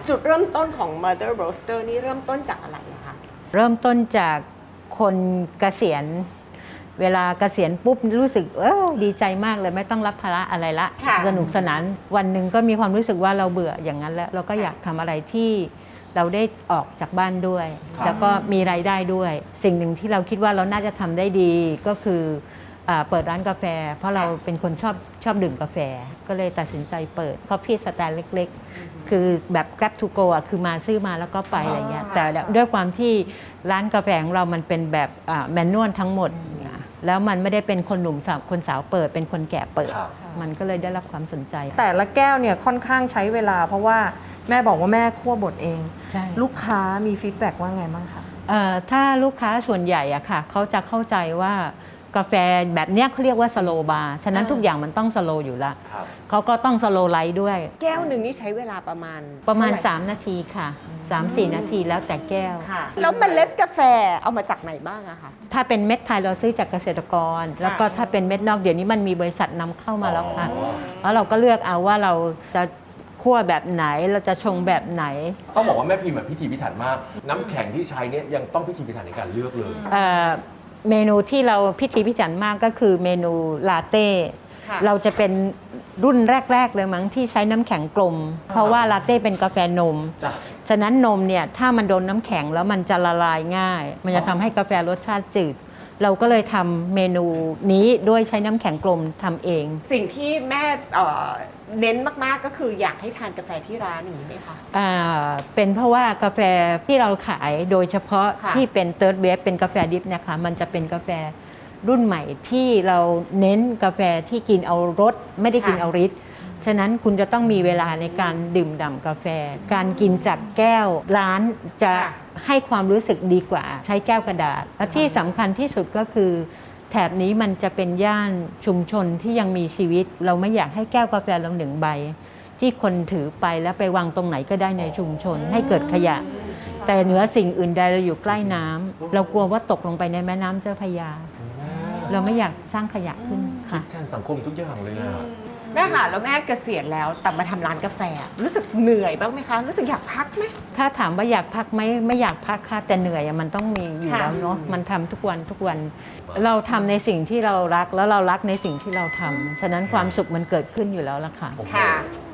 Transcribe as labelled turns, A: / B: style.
A: จุดเริ่มต้นของ Mother Roaster นี่เริ่มต้นจากอะไรอะคะ
B: เริ่มต้นจากคนเกษียณเวลาเกษียณปุ๊บรู้สึกดีใจมากเลยไม่ต้องรับภาระอะไรละสนุกสนานวันหนึ่งก็มีความรู้สึกว่าเราเบื่ออย่างนั้นแล้วเราก็อยากทำอะไรที่เราได้ออกจากบ้านด้วยแล้วก็มีรายได้ด้วยสิ่งหนึ่งที่เราคิดว่าเราน่าจะทำได้ดีก็คือเปิดร้านกาแฟเพราะเราเป็นคนชอบดื่มกาแฟก็เลยตัดสินใจเปิดCoffee Standเล็กๆคือแบบ Grab to go อ่ะคือมาซื้อมาแล้วก็ไปอะไรเงี้ยแต่ด้วยความที่ร้านกาแฟของเรามันเป็นแบบแมนนวลทั้งหมดแล้วมันไม่ได้เป็นคนหนุ่มสาวคนสาวเปิดเป็นคนแก่เปิดมันก็เลยได้รับความสนใจ
C: แต่ละแก้วเนี่ยค่อนข้างใช้เวลาเพราะว่าแม่บอกว่าแม่คั่วบดเองลูกค้ามีฟีดแบ็กว่าไงบ้างคะ
B: ถ้าลูกค้าส่วนใหญ่อะค่ะเขาจะเข้าใจว่ากาแฟแบบนี้เขาเรียกว่าสโลบาร์ฉะนั้นทุกอย่างมันต้องสโลอยู่ละเขาก็ต้องสโลไลท์ด้วย
A: แก้วหนึ่งนี่ใช้เวลาประมาณ
B: 3 นาทีค่ะ 3-4 นาทีแล้วแต่แก้ว
A: แล้วเมล็ดกาแฟเอามาจากไหนบ้างอะคะ
B: ถ้าเป็นเม็ดไทยเราซื้อจากเกษตรกรแล้วก็ถ้าเป็นเม็ดนอกเดี๋ยวนี้มันมีบริษัทนำเข้ามาแล้วค่ะแล้วเราก็เลือกเอาว่าเราจะคั่วแบบไหนเราจะชงแบบไหน
D: ต้องบอกว่าแม่พิมพ์พิถีพิถันมากน้ำแข็งที่ใช้เนี่ยยังต้องพิถีพิถันในการเลือกเลย
B: เมนูที่เราพิถีพิถันมากก็คือเมนูลาเต้เราจะเป็นรุ่นแรกๆเลยมั้งที่ใช้น้ำแข็งกลมเพราะว่าลาเต้เป็นกาแฟนมฉะนั้นนมเนี่ยถ้ามันโดนน้ำแข็งแล้วมันจะละลายง่ายมันจะทำให้กาแฟรสชาติจืดเราก็เลยทำเมนูนี้ด้วยใช้น้ำแข็งกลมทำเอง
A: สิ่งที่แม่เน้นมากๆก็คืออยากให้ทานกาแฟที่ร้านนี้ไหมคะ
B: เป็นเพราะว่ากาแฟที่เราขายโดยเฉพาะที่เป็นเติร์ดเวฟเป็นกาแฟดิฟนะคะมันจะเป็นกาแฟรุ่นใหม่ที่เราเน้นกาแฟที่กินเอารสไม่ได้กินเอาฤทธิ์ฉะนั้นคุณจะต้องมีเวลาในการดื่มด่ำกาแฟการกินจากแก้วร้านจะให้ความรู้สึกดีกว่าใช้แก้วกระดาษและที่สำคัญที่สุดก็คือแถบนี้มันจะเป็นย่านชุมชนที่ยังมีชีวิตเราไม่อยากให้แก้วกาแฟเราหนึ่งใบที่คนถือไปแล้วไปวางตรงไหนก็ได้ในชุมชนให้เกิดขยะแต่เหนือสิ่งอื่นใดเราอยู่ใกล้น้ำเรากลัวว่าตกลงไปในแม่น้ำเจ้าพระยาเราไม่อยากสร้างขยะขึ้นค่ะ
D: แทนสังคมทุกอย่างเลยอะ
A: แม่ค่ะแล้วแม่เกษียณแล้วแต่มาทำร้านกาแฟรู้สึกเหนื่อยบ้างไหมคะรู้สึกอยากพักไหม
B: ถ้าถามว่าอยากพักไหมไม่อยากพักค่ะแต่เหนื่อยมันต้องมีอยู่แล้วเนาะมันทำทุกวันเราทำในสิ่งที่เรารักแล้วเรารักในสิ่งที่เราทำฉะนั้นความสุขมันเกิดขึ้นอยู่แล้วล่ะค่ะ